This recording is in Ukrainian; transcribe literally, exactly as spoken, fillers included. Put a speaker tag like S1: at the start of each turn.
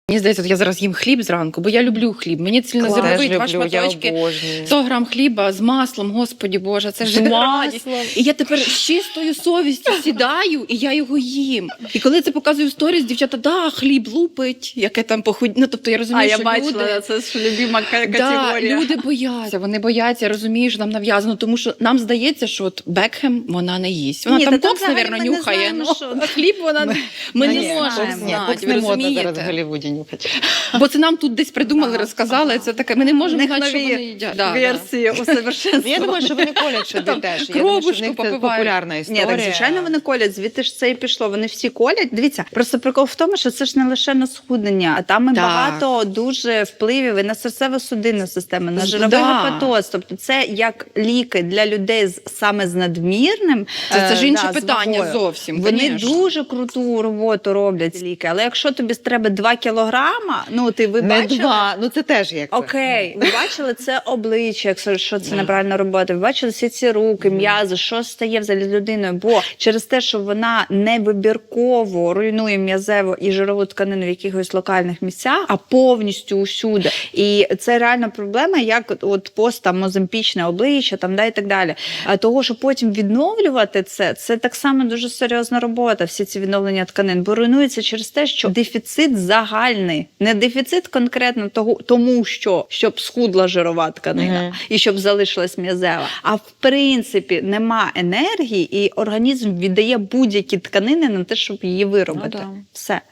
S1: Мені здається, я зараз їм хліб зранку, бо я люблю хліб. Мені цільнозерновий два шматочки, сто грам хліба з маслом, господі Боже, це ж радість. І я тепер з чистою совістю сідаю, і я його їм. І коли це показую в сторіс, дівчата, да, хліб лупить, яке там похуд... Ну, тобто я розумію,
S2: а,
S1: що
S2: я
S1: люди...
S2: бачила, це ж любима категорія.
S1: Да, люди бояться, вони бояться, я розумію, що нам нав'язано, тому що нам здається, що от Бекхем вона не їсть. Вона
S2: Ні,
S1: там
S2: та
S1: кокс,
S2: там
S1: мабуть,
S2: взагалі ми не
S1: нюхає,
S2: знаємо,
S1: ну,
S2: що-
S1: а хліб вона... Ми, ми
S2: Ні,
S1: не
S2: ні,
S1: можемо
S2: знаємо.
S1: знати,
S3: Кокс
S1: ви
S3: не модно
S1: розумієте?
S3: зараз в Голлівуді нюхати.
S1: Бо це нам тут десь придумали, розказали, це таке, ми не можемо
S2: В них
S1: знати, що
S2: нові
S1: вони їдять. Да, да.
S2: версії усовершенствування.
S3: Я думаю, що вони колять собі
S1: Там
S3: теж. Я
S1: кровушку
S3: думаю, що в них це
S1: попивають.
S3: популярна
S2: Ні,
S3: історія.
S2: так звичайно вони колять, звідти ж це і пішло. Вони всі колять. Дивіться, просто прикол в тому, що це ж не лише на схуднення, а там і
S1: Так.
S2: багато дуже впливів і на серцево-судинну систему, на
S1: З-
S2: жировий
S1: да.
S2: гепатоз. Тобто це як ліки для людей з саме з надмірним.
S1: Це, це
S2: е,
S1: ж інше
S2: да, з
S1: питання
S2: вагою.
S1: зовсім.
S2: Вони
S1: конечно.
S2: дуже круту роботу роблять ці ліки. Але якщо тобі треба два кілограма, ну ти ви
S3: Не
S2: бачили?
S3: два, ну це теж як це.
S2: Окей, ви бачили це обличчя, якщо що це неправильна робота. Ви бачили всі ці руки, м'язи, що стає взагалі з людиною? Бо через те, що вона невибірково руйнує м'язеву і жирову тканину в якихось локальних місцях, а повністю усюди. І це реальна проблема, як от пост там моземпічне обличчя, там да і так далі. А того, що потім відновлювати це, це так само дуже серйозна робота. Всі ці відновлення тканин, бо руйнується через те, що дефіцит загальний, не дефіцит конкретно того, тому що щоб схудла жирова тканина
S3: Мгм.
S2: і щоб залишилась м'язева. А в принципі нема енергії, і організм віддає будь-які тканини на те, щоб її виробити.
S1: Ну, да.
S2: Все.